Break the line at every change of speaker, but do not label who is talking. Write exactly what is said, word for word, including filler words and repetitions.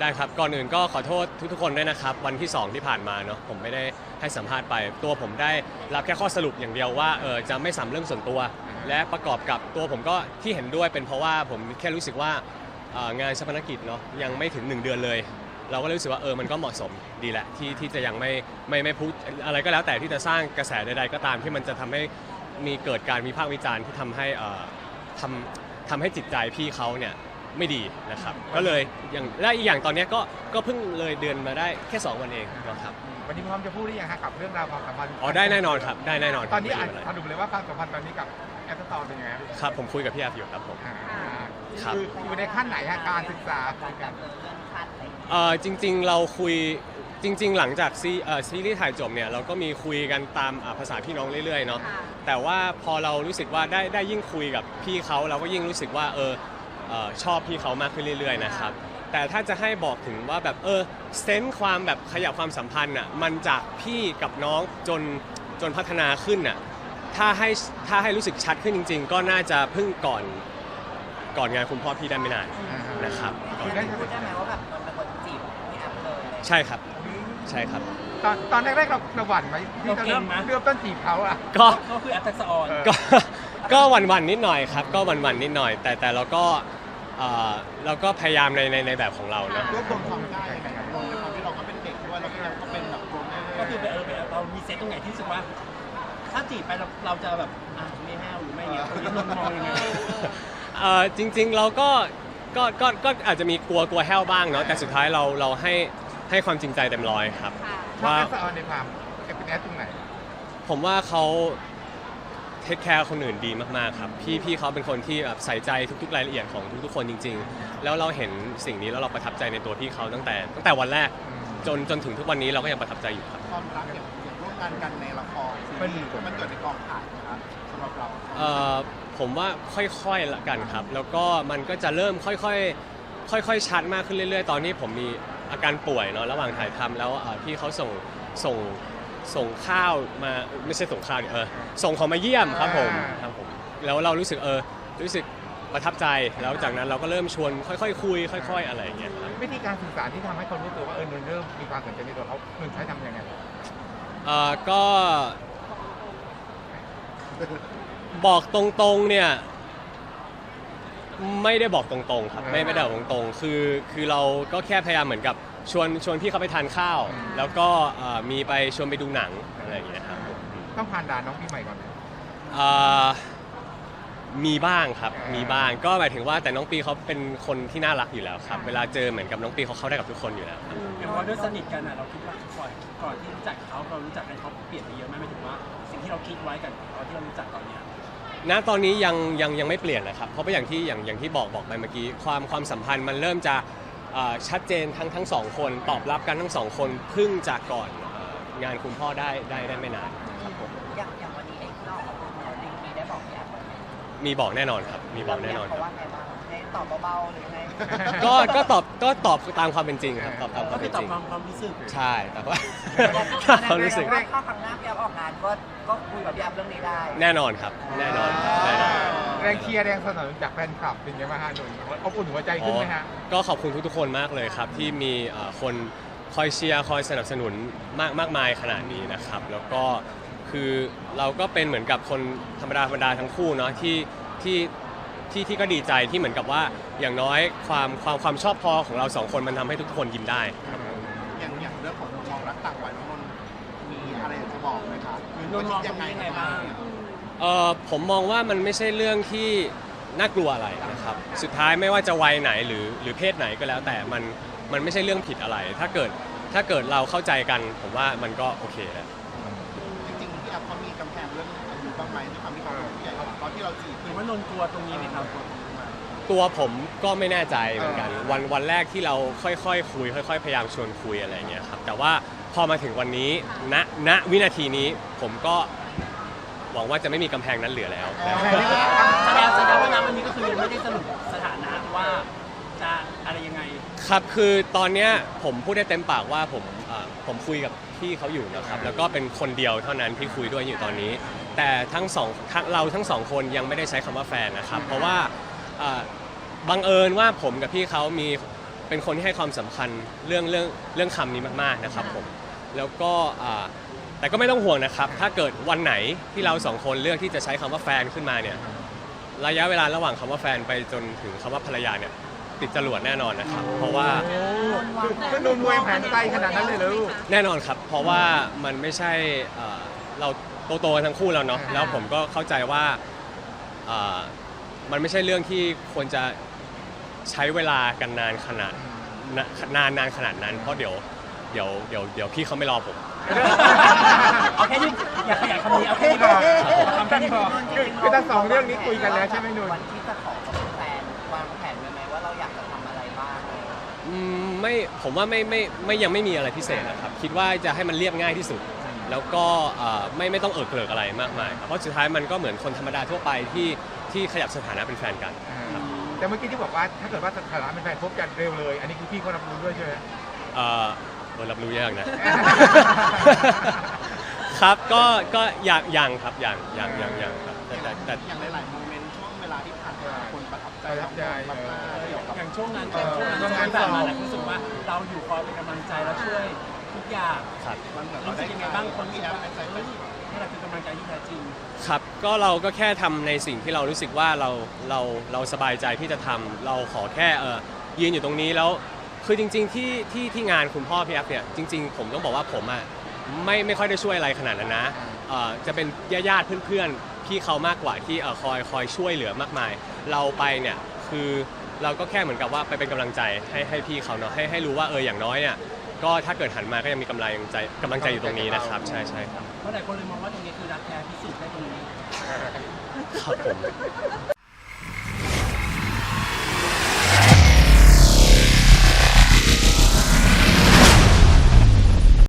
ได้ครับก่อนอื่นก็ขอโทษทุกๆคนด้วยนะครับวันที่สองที่ผ่านมาเนาะผมไม่ได้ให้สัมภาษณ์ไปตัวผมได้รับแค่ข้อสรุปอย่างเดียวว่าเออจะไม่สัมเรื่องส่วนตัวและประกอบกับตัวผมก็ที่เห็นด้วยเป็นเพราะว่าผมแค่รู้สึกว่างานชาปนกิจเนาะยังไม่ถึงหนึ่งเดือนเลยเราก็รู้สึกว่าเออมันก็เหมาะสมดีแหละที่ที่จะยังไม่ไม่ไม่พูดอะไรก็แล้วแต่ที่จะสร้างกระแสใดๆก็ตามที่มันจะทำให้มีเกิดการวิพากษ์วิจารณ์ที่ทำให้เอ่อทำทำให้จิตใจพี่เขาเนี่ยไม่ดีนะครับก็เลยอย่างและอีกอย่างตอนนี้ก็ก็เพิ่งเลยเดือนมาได้แค่สองวันเองนะครับ
วันนี้พร้อมจะพูดหรือยังฮะกับเรื่องราวความสัมพันธ์
อ๋อได้แน่นอนครับได้แน่นอน
ตอนนี้อ่านสรุปเลยว่าความสัมพันธ์ตอนนี้กับแอปตอร์เป็นยังไง
ครับผมคุยกับพี่แอฟอยู่ครับผม
คืออยู่ในขั้นไหนฮะการศึกษาคุยกัน
เอ่อจริงๆเราคุยจริงๆหลังจากซีเอ่อซีรีส์ถ่ายจบเนี่ยเราก็มีคุยกันตามภาษาพี่น้องเรื่อยๆเนาะแต่ว่าพอเรารู้สึกว่าได้ได้ยิ่งคุยกับพี่เขาเราก็ยิ่งรู้สึกว่าเออชอบพี่เขามากขึ้นเรื่อยๆนะครับแต่ถ้าจะให้บอกถึงว่าแบบเออเซนส์ความแบบขยับความสัมพันธ์อ่ะมันจากพี่กับน้องจนจนพัฒนาขึ้นอ่ะถ้าให้ถ้าให้รู้สึกชัดขึ้นจริงๆก็น่าจะเพิ่งก่อนก่อนงานคุณพ่อพี่ได้ไม่นานนะครับ
พูดได้ไหมว่าแบบมันเป็นคนจีบพี่แอฟเลย
ใช่ครับใช่ครับ
ตอนตอนแรกๆเราเราหวั่นไหมที่จะเริ่มเริ่มต้นจีบเขาอ่ะ
ก็
ก็คือแอฟทักษะออน
ก็ก็หวั่นๆนิดหน่อยครับก็หวั่นๆนิดหน่อยแต่แต่เราก็เราก็พยายามในในในแบบของเรานะ
รวบรวมความได้ในการในความที่เราก็เป็นเด็กด้วยเราก็เป็นแบบ
ก็คือเออเรามีเซตตรงไหนที่รู้สึกว่าถ้าจีบไปเราเราจะแบบอ่ะไม่แห้วหรือไม่เงี้ยคนนี้นนมองยังไง
เออจริงๆเราก็ก็ก็ก็อาจจะมีกลัวกลัวแห้วบ้างเนาะแต่สุดท้ายเราเราให้ให้ความจริงใจเต็มร้อยครับ
ว่าแอปออนในความเป็นแอปตรงไหน
ผมว่าเขาเทคแคร์คนอื่นดีมากๆครับพี่พี่เขาเป็นคนที่แบบใส่ใจทุกๆรายละเอียดของทุกๆคนจริงๆแล้วเราเห็นสิ่งนี้แล้วเราประทับใจในตัวพี่เขาตั้งแต่ตั้งแต่วันแรกจนจนถึงทุกวันนี้เราก็ยังประทับใจอยู่ครับ
ความรักอย่างร่วมงานกันในละครซีรีส์มันเกิดในกองถ่ายนะครับสำหรับเรา
เอ่อผมว่าค่อยๆละกันครับแล้วก็มันก็จะเริ่มค่อยๆค่อยๆชัดมากขึ้นเรื่อยๆตอนนี้ผมมีอาการป่วยเนาะระหว่างถ่ายทำแล้วพี่เขาส่งส่งส่งข้าวมาไม่ใช่ส่งข้าวเออส่งของมาเยี่ยมครับผมครับผมแล้วเรารู้สึกเออรู้สึกประทับใจแล้วจากนั้นเราก็เริ่มชวนค่อยๆคุยค่อยๆอะไรอย่างเงี้ยครับ
วิธีการสื่อสารที่ทำให้คนรู้ตัวว่าเออนนเริ่มมีความสนใจในตัวเขานนใช้ทำยังไง
เอ่อก็บอกตรงๆเนี่ยไม่ได้บอกตรงๆครับไม่ไม่ได้บอกตรงๆคือคือเราก็แค่พยายามเหมือนกับชวนชวนพี่เขาไปทานข้าวแล้วก็มีไปชวนไปดูหนังอะไรอย่างเงี้ยครับ
ต้องผ่านด่านน้องปีใหม่ก่อน
มีบ้างครับมีบ้างก็หมายถึงว่าแต่น้องปีเขาเป็นคนที่น่ารักอยู่แล้วครับเวลาเจอเหมือนกับน้องปีเขาเข้าได้กับทุกคนอยู่แล้วครับ
เพราะด้วยสนิทกันอ่ะเราคิดว่าก่อนก่อนที่รู้จักเขาเรารู้จักกันเขาเปลี่ยนไปเยอะไหมหมายถึงว่าสิ่งที่เราคิดไว้กับตอนที่เรารู้จักตอนนี้
ณตอนนี้ยังยังยังไม่เปลี่ยนนะครับเพราะว่าอย่างที่อย่างอย่างที่บอกบอกไปเมื่อกี้ความความสัมพันธ์มันเริ่มจะชัดเจนทั้งทั้งสองคนตอบรับกันทั้งสองคนเพิ่งจากก่อนงานคุณพ่อได้ได้ได้ไม่นานครับผม
อย่างอย่างวันนี้เองที่เราออกมาลิงมีได้บอกพี่แอฟ
มีบอกแน่นอนครับมีบอกแน่นอน
เขาว่าไงบ้างให้ตอบเบาๆหรือไง
ก็ก็ตอบก็ตอบตามความเป็นจริงครับตอบตามความเป็นจริง
ก็คือตอบความรู้สึก
ใช่แต่ว่าความรู้สึก
ถ้าครั้งหน้าพี่แอฟออกงานก็ก็คุยกับพี่แอฟเรื่องนี้ได้
แน่นอนครับแน่นอนแน่นอน
แรงเชียร์แรงสนับสนุนจากแฟนคลับเป็นยังไงบ้างฮะหนุ่ยอบอุ่นหัวใจขึ้นไหมฮะ
ก็ขอบคุณทุกๆคนมากเลยครับที่มีคนคอยเชียร์คอยสนับสนุนมากมากมายขนาดนี้นะครับแล้วก็คือเราก็เป็นเหมือนกับคนธรรมดาธรรมดาทั้งคู่เนาะที่ที่ที่ที่ก็ดีใจที่เหมือนกับว่าอย่างน้อยความความความชอบพอของเราสองคนมันทำให้ทุกคนยิ้มได้
อย่างอย่างเรื่องของมองรักต่างวัยน้องนนมีอะไรจะบอกไหมครับ
นนมองยังไงบ้าง
เอ่อผมมองว่ามันไม่ใช่เรื่องที่น่ากลัวอะไรนะครับสุดท้ายไม่ว่าจะวัยไหนหรือหรือเพศไหนก็แล้วแต่มันมันไม่ใช่เรื่องผิดอะไรถ้าเกิดถ้าเกิดเราเข้าใจกันผมว่ามันก็โอเคแล้ว
จริงๆที่แอปเขามีกำแพงเรื่องอายุบ้างไหมที่ทำให้เขาใหญ่ตอนที่เราจีบ
หรือว่านนกลัวตรงนี้ไหมครับ
ตัวผมก็ไม่แน่ใจเหมือนกันวันวันแรกที่เราค่อยๆ คุยค่อยๆพยายามชวนคุยอะไรเงี้ยครับแต่ว่าพอมาถึงวันนี้ณณวินาทีนี้ผมก็หวังว่าจะไม่มีกำแพงนั้นเหลือแล้ว
แสดงแสดงว่าณวันนี้ก็คือยังไม่ได้สรุปสถานะว่าจะอะไรยังไง
ครับคือตอนนี้ผมพูดได้เต็มปากว่าผมผมคุยกับพี่เขาอยู่นะครับแล้วก็เป็นคนเดียวเท่านั้นที่คุยด้วยอยู่ตอนนี้แต่ทั้งสองเราทั้งสองคนยังไม่ได้ใช้คำว่าแฟนนะครับเพราะว่าบังเอิญว่าผมกับพี่เขามีเป็นคนที่ให้ความสำคัญเรื่องเรื่องเรื่องคำนี้มากๆนะครับผมแล้วก็อ่าแต่ก็ไม่ต้องห่วงนะครับถ้าเกิดวันไหนที่เราสองคนเลือกที่จะใช้คำว่าแฟนขึ้นมาเนี่ยระยะเวลาระหว่างคำว่าแฟนไปจนถึงคำว่าภรรยาเนี่ยติดจรวดแน่นอนนะครับเพราะว่า
ก็นนมวยแผนไกลขนาดนั้นเลยเหรอลูก
แน่นอนครับเพราะว่ามันไม่ใช่เอ่อเราโตๆกันทั้งคู่แล้วเนาะแล้วผมก็เข้าใจว่าเอ่อมันไม่ใช่เรื่องที่ควรจะใช้เวลากันนานขนาดนานนานขนาดนั้นเพราะเดี๋ยวเดี๋ยวเดี๋ยวเดี๋ยวพี่เขาไม่รอผม
เอาแค่นี้อย่าขยายคำนี้เอาแค่นี้พอทำแค่นี้พอ
คือคือทั้งสองเรื่องนี้คุยกันแล้วใช่ไหมนุ่น
วันที่จะขอเขาเป็นแฟนวางแผนไว้ไหมว่าเราอยากจะทำอะไรบ้างอะไรอย่างเงี้ย
อืมไม่ผมว่าไม่ไม่ไม่ยังไม่มีอะไรพิเศษนะครับคิดว่าจะให้มันเรียบง่ายที่สุด แล้วก็เอ่อไม่ไม่ต้องเอิกเกริกอะไรมากมายครับเพราะสุดท้ายมันก็เหมือนคนธรรมดาทั่วไปที่ที่ขยับสถานะเป็นแฟนกันครับ
แต่เมื่อกี้ที่บอกว่าถ้าเกิดว่าสถานะเป็นแฟนพบกันเร็วเลย อันนี้คือพี่เขารับรู้ด้วยใช่ไหม
เอ่อเออรับรู้ยากนะ ครับก็ก็อย่างอย่างครับอย่างอย่างอย่างอย่างครับแต่แต่แต่
อย่างหลายๆโมเมนต์ช่วงเวลาที่ผ่านมาคนประทับใจ
ประทับใจ
มากๆเกี่ยวกับ
อย่างช่วงนั้นช่วงนั้นช่วงนั้นแบบมาแล้วรู้สึกว่าเราอยู่คอยเป็นกำลังใจแล้วช่วยทุกอย่าง
ครับ
มันเหมือน
รู้สึกยังไงบ้างคน
ที่
ที่
แอ
แบ
บบ เป็นใจ
เฮ้ยนี่แหละคือกำลังใจที่แท้จริง
ครับก็เราก็แค่ทำในสิ่งที่เรารู้สึกว่าเราเราเราสบายใจที่จะทำเราขอแค่เออยืนอยู่ตรงนี้แล้วคือจริง ๆ ที่ที่ที่งานคุณพ่อพี่แอฟเนี่ยจริง ๆ ผมต้องบอกว่าผมอ่ะไม่ไม่ค่อยได้ช่วยอะไรขนาดนั้นนะเอ่อจะเป็นญาติๆเพื่อนๆพี่เขามากกว่าที่เอ่อคอยคอยช่วยเหลือมากมาย เราไปเนี่ยคือเราก็แค่เหมือนกับว่าไปเป็นกำลังใจให้ให้พี่เขาเนาะให้ให้รู้ว่าเอออย่างน้อยเนี่ยก็ถ้าเกิดหันมาก็ยังมีกำลังใจกำลังใจอยู่ตรงนี้นะครับใช่ใช่ครับ
เพราะหลายคนเลยมองว่าตรงนี้คือรักแท้พิสูจน์ได้ตรงนี้
ครับผม